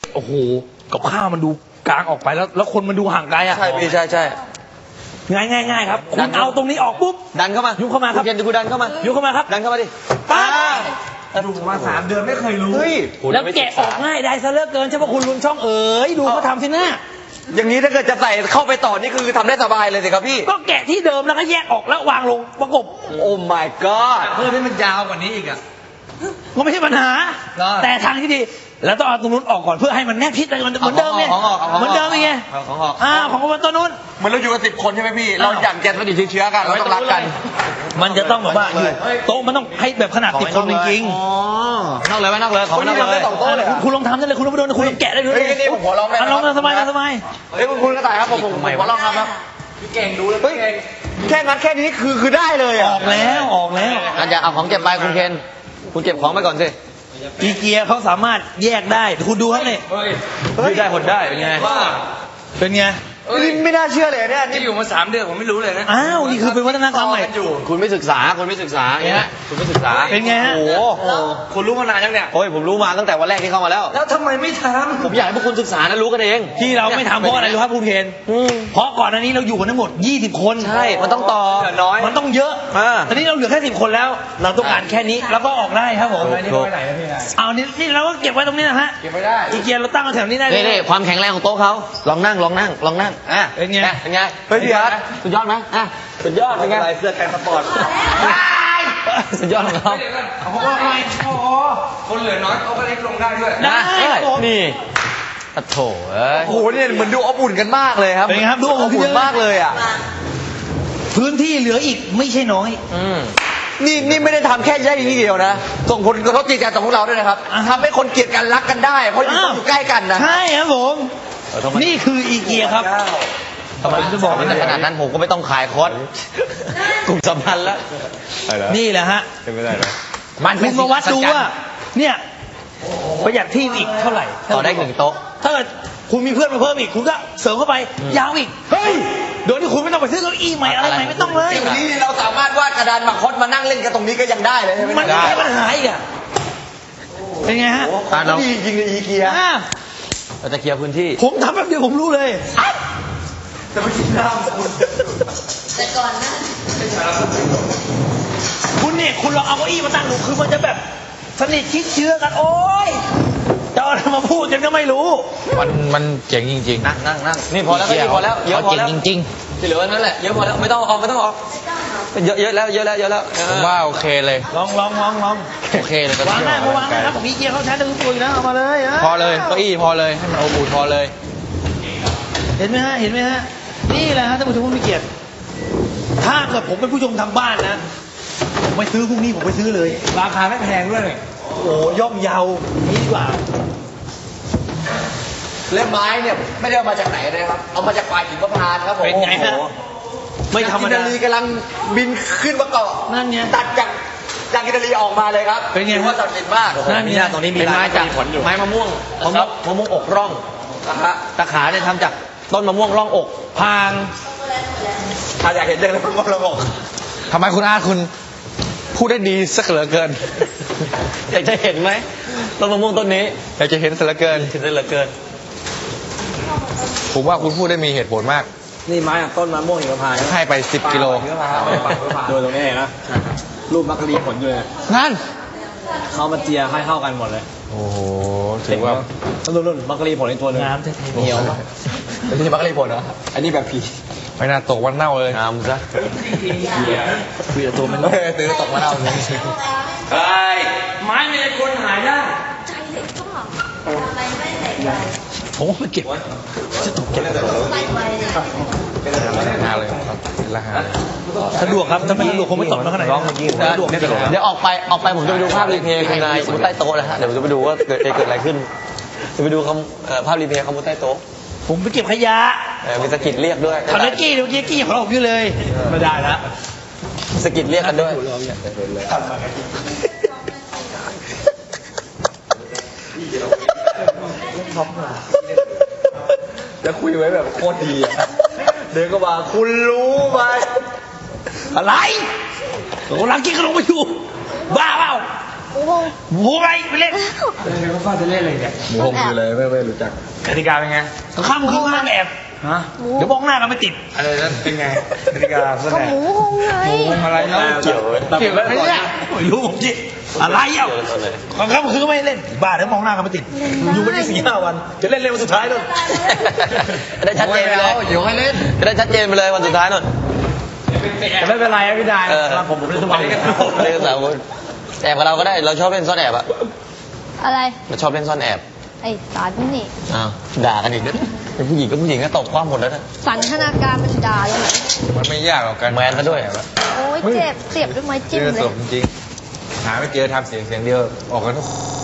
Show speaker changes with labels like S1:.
S1: โอ้โหกับข้าวมันดูกลางออกไปแล้วคนมันดูห่างไกลอ่ะ
S2: ใช่พี่ใช่ใช่
S1: ง่ายครับคุณเอาตรงนี้ออกปุ๊บ
S2: ดันเข้ามา
S1: ยุบเข้ามาครับ
S2: ณเกณฑ์กูดันเข้ามา
S1: ยุบเข้ามาครับ
S2: ดันเข้ามาดิ
S1: ปั๊บ
S3: ดูมา3 เดือนไม่เคยรู้
S2: เฮ้ย
S1: แล้วแกะออกง่ายได้ซะเหลือเกินใช่ปะคุณลุนช่องเอ๋ยดูเขาทำสินะ
S2: อย่างนี้ถ้าเกิดจะใส่เข้าไปต่อนี่คือทำได้สบายเลยสิครับพี่
S1: ก็แกะที่เดิมแล้วก็แยกออกแล้ววางลงประกบ
S2: โอ้ my god
S3: เพื่อให้มันยาวกว่านี้อีกอ่ะ
S1: ก็ไม่ใช่ปัญหา
S3: ได้
S1: แต่ทางที่ดีแล้วต้องเอาตรงนู้นออกก่อนเพื่อให้มันแนบชิดกันเหมือนเดิมไง
S2: ของออก
S1: เหมือนเดิมไง
S2: ของออก
S1: ของตัวนู้น
S2: เหมือนเราอยู่กัน10 คนใช่ไหมพี่ เราอยากแกนมันอยู่เชื้อกันเราต้องรักกัน
S1: มันจะต้องแบบว่าอยู่โต๊ะมันต้องให้แบบขนาด10 คนจริง
S2: อ๋อนอกเลยไหมนอกเลยของนอกเลย
S1: ๆคุณลองทำได้เลยคุณลองไปโดนคุณลองแกะได้เลย
S2: เฮ้ยนี่ผมขอลองได้ไหม
S1: ลองสบายสบาย
S2: เฮ้ยคุณกระต่ายครับผมขอลองครับ
S3: เก่งดูแล้ว
S2: เฮ้ยแค่งัดแค่นี้คือได้เลย
S1: อ
S2: อ่ะ
S1: อกแล้ว
S2: อย่าเอาของเก็บไปคุณเคนคุณเก็บของไปก่อนสิ
S1: อีเกียเขาสามารถแยกได้คุณดูครับนี่
S2: ยืดได้หดได้เป็นไง
S1: เป็นไง
S2: นี่ไม่น่าเชื่อเลยเนี่ย
S3: ที่อยู่มา3 เดือนผมไม่รู้เลยนะ
S1: อ้าวนี่คือเป็นวัฒนธรรมใหม่
S2: คุณไม่ศึกษาคุณไม่ศึกษาอย่างเงี้ยคุณไม่ศึกษา
S1: เป็นไงฮะ
S2: โอ้โห
S3: คุณรู้มานานยังเนี่ย
S2: โอ้ยผมรู้มาตั้งแต่วันแรกที่เข้ามาแล้ว
S3: แล้วทำไมไม่ท
S2: ผมอยากให้พวกคุณศึกษานะรู้กันเอง
S1: ที่เราไม่ทำเพราะอะไรรู้ครับคุณเคนเพราะก่อนอันนี้เราอยู่กันทั้งหมด20 คน
S2: ใช่มันต้องต่อ
S3: ำเหลือน้อย
S1: มันต้องเยอะ ตอนนี้เราเหลือแค่10 คนแล้ว เราต้องการแค่นี้แล้วก็ออกได้ครับผม
S3: นี่ไปไหนนะพี่นาย
S1: เอานี่เราก็เก็บไว้ตรงนี้นะฮะ
S3: เก็บไม่ได้
S1: อีเกียเราตั้งเอาแถวนี้ได้เลย
S2: นี่ความแข็งแรงของโต๊ะเขาลองนั่งอ่ะ
S1: เป็นไง
S2: เป็นไงเฮ้ยพี่อาร์ตสุดยอดไหมอ่ะสุดยอดเป็นไง
S3: เสื้อกันสปอร์ต
S2: สุดยอดของเขา
S3: เอาของอะไรอ๋อคนเหลือน้อยเขาก็เล็กลงได้ด้วย
S1: ได้ครับผม
S2: นี่โอ้โถเอ้ยโอ้โหเนี่ยเหมือนดูอบอุ่นกันมากเลยครับ
S1: เป็นไงครับดูอบอุ่น
S2: อบอุ่นมากเลยอ่ะ
S1: พื้นที่เหลืออีกไม่ใช่น้อย
S2: นี่ไม่ได้ทำแค่ย่ทีเดียวนะส่งผลกระทบจิตใจต่อพวกเราด้วยนะครับทำให้คนเกลียดกันรักกันได้เพราะอยู่ใกล้กันนะ
S1: ใช่ครับผมนี่คืออีเกียครับ
S2: ผมจะบอกในขนาดนั้นผมก็ไม่ต้องขายคอร์สกลุ่มสัมพันธ์แล้ว
S1: นี่แหละฮะ
S2: เป็นไม่ได้ไหม
S1: คุณมาวัดดูว่าเนี่ยประหยัดที่อีกเท่าไหร่
S2: ต่อได้1 โต๊ะ
S1: ถ้าเกิดคุณมีเพื่อนมาเพิ่มอีกคุณก็เสริมเข้าไปยาวอีกเฮ้ยโดยที่คุณไม่ต้องไปซื้อเก้าอี้ใหม่อะไรใหม่ไม่ต้องเลย
S2: เดี๋ยวนี้เราสามารถวาดกระดานหมากคดมานั่งเล่นกันตรงนี้ก็ยังได้เลยใช่ไหม
S1: มันไม่ใช่ปัญหาอีกอ่ะเป็นไงฮะ
S2: ดีจริงเลยอีเกีย
S1: อ่ะ
S2: เราจะเคลียร์พื้นที่
S1: ผมทำแบบเดียวผมรู้เลย
S2: แต่ไม่กินน้ำ
S4: แต่ก่อนหน้า
S1: คุณเนี่ยคุณลองเอาเก้าอี้มาตั้งดูคือมันจะแบบสนิทชิดเชื้อกันโอ๊ยจะเอาอะไรมาพูดกันก็ไม่รู้
S5: มันเจ๋งจริงๆ
S2: นั่งนี่พอแล้วก็พอแล้วเยอะพอแล้ว
S5: เจ๋งจริง
S2: ที่เหลือนั่นแหละเยอะพอแล้วไม่ต้องออกเยอะแล้ว
S5: ๆผมว่าโอเคเลย
S1: ลอง
S5: โอเคเลยก็
S1: วางได้มาวางได้ครับผมมีเกียร์เขาใช้ได้ทุกตัวอยู่แล้วเอามาเลย
S5: พอเลยเก้าอี้พอเลยให้มันอบอุ่นพอเลย
S1: เห็นไหมฮะนี่แหละฮะท่านผู้ชมผู้มีเกียรติถ้าเกิดผมเป็นผู้ชมทางบ้านนะผมไปซื้อพรุ่งนี้ผมไปซื้อเลย
S3: ราคาไม่แพงด้วยเลย
S1: โอ้โหย่อมเยานี่ดีกว่า
S2: เล่มไม้เนี่ยไม่ได้เอามาจากไหนนะครับเอามาจากป่าหิมพานต์ครับผม
S1: เป็นไงฮะไม่ธรรมดา
S2: อิตาลีกำลังบินขึ้นมาเกาะ
S1: นั่นไง
S2: ตัดจากอิตาลีออกมาเลยครับ
S1: เป็นไงฮะ
S2: ถือว่าศักดิ์สิทธิ์มาก
S1: นั่นไง
S2: ตรงนี้มีไม้จากไม้มะม่วงอกร่องตะขาเนี่ยทำจากต้นมะม่วงร่องอก
S1: พาง
S2: ถ้าอยากเห็นเรื่องมะม่วงร่องอก
S5: ทำไมคุณอาร์ตคุณพูดได้ดีสักเหลือเกิน
S2: อยากจะเห็นไหมต้นมะม่วงต้นนี้
S5: อยากจะเห็นสักเหลือเกิน
S2: เห็นได้เหลือเกิน
S5: ผมว่าคุณพูดได้มีเหตุผลมาก
S3: นี่ไม้ต้นมะม่วงหิมพานต์
S5: ให้ไป10 กิโล
S3: ดูตรงนี้เห็นนะรูปมักกะลีผลอยู่เลย
S5: นั่น
S3: เขามาเจียให้เข้ากันหมดเลย
S5: โอ้โห ถือว่า
S3: รุ่นมักกะลีผลในตัวนึง
S1: น้ำเท่
S3: เหนียว
S2: ไม่ใช่มักกะลีผลเหรอ
S3: อันนี้แบบผี
S5: ไม่น่าตกวันเน่าเลย
S2: งามซะ
S1: คุยกับตัวมัน
S2: ตื้อตกมาเอาเลย
S1: เฮ้ยไม้ไม่ได้คนหายได้
S4: ใจเด็กก็ทำไมไม่ใส่ใจ
S1: ผมว่าไปเก็บจะตกเก็บ
S4: ใส่ไว้เนี่ย
S5: หาเลยครับเป็นละหา
S1: สะดวกครับถ้าไม่สะดวกคงไม่ตกมาขนาดนี้สะดวก
S2: เดี๋ยวออกไปผมจะไปดูภาพรีเพลย์คุณนายมุดใต้โต๊ะนะฮะเดี๋ยวผมจะไปดูว่าเกิดอะไรขึ้นจะไปดูภาพรีเพลย์เขามุดใต้โต๊ะ
S1: ผมไปเก็บขยะ
S2: มีสกิดเรียกด้วย
S1: ทำนักกี้เดี๋ยวเมื่อกี้กี้ของเราอยู่เลยไม่ได้ละ
S2: สกิดเรียกกันด้วยจะคุยไว้แบบโคตรดีอ่ะเดินก็มาคุณรู้ไหม
S1: อะไรโอ้ลังกี้ก็ลงไปอยู่บ้าเปล่า
S4: โอ้โห
S1: หมูอะไรไปเล่น
S3: แล้วก็จะเล่นอะไรเนี่ย
S5: หมูหงคืออะไรไม่รู้จัก
S3: กติกาเป็นไง
S1: ข้ามคืนมาแอบ
S3: ฮะ
S1: เดี๋ยวมองหน้ากันไม่ติด
S3: อะไรนั่นเป็นไงกติกาเพื่อน
S4: ก็
S3: ไหน
S4: หมูหงไง
S3: วงอะไรเนาะ
S2: เกี่ยวไหม
S3: เกี่ยวกับ
S1: ไม่เนี่ยไม่รู้ผมจิอะไรเอ้าข้ามคืนไม่เล่นบ้าเดี๋ยวมองหน้ากันไม่ติด อยู่ไม่ได้4-5 วันจะเล่นเร็ววันสุดท้ายนู่น
S2: จะได้ชัดเจนไปเลย
S3: อยู่ให้เล่น
S2: จะได้ชัดเจนไปเลยวันสุดท้ายนู่น
S3: แต่ไม่เป็นไรอะพี่ดาย
S2: เออ
S1: ครับผมเล่นทุกวัน
S2: เล่นกันสามคนแอบกับเราก็ได้เราชอบเล่นซ่อนแอบอะ
S4: อะไร
S2: เราชอบเล่นซ่อนแอบ
S4: ไอ้สารนี่
S2: อ้าวด่ากันอีกเป็นผู้หญิงก็ผู้หญิงก็ตกความหมดแล้วนะ
S4: สันทนาการมันด่าเลย
S5: มันไม่ยากหรอกกัน
S2: แมนซะด้วย
S4: โอ้ยเจ็บเสียบด้วยไม้จิ้ม
S5: เจอ
S4: เล
S5: ศ
S4: ย
S5: พจริงหาไม่เจอทำเสียงเดียวออกกันทุก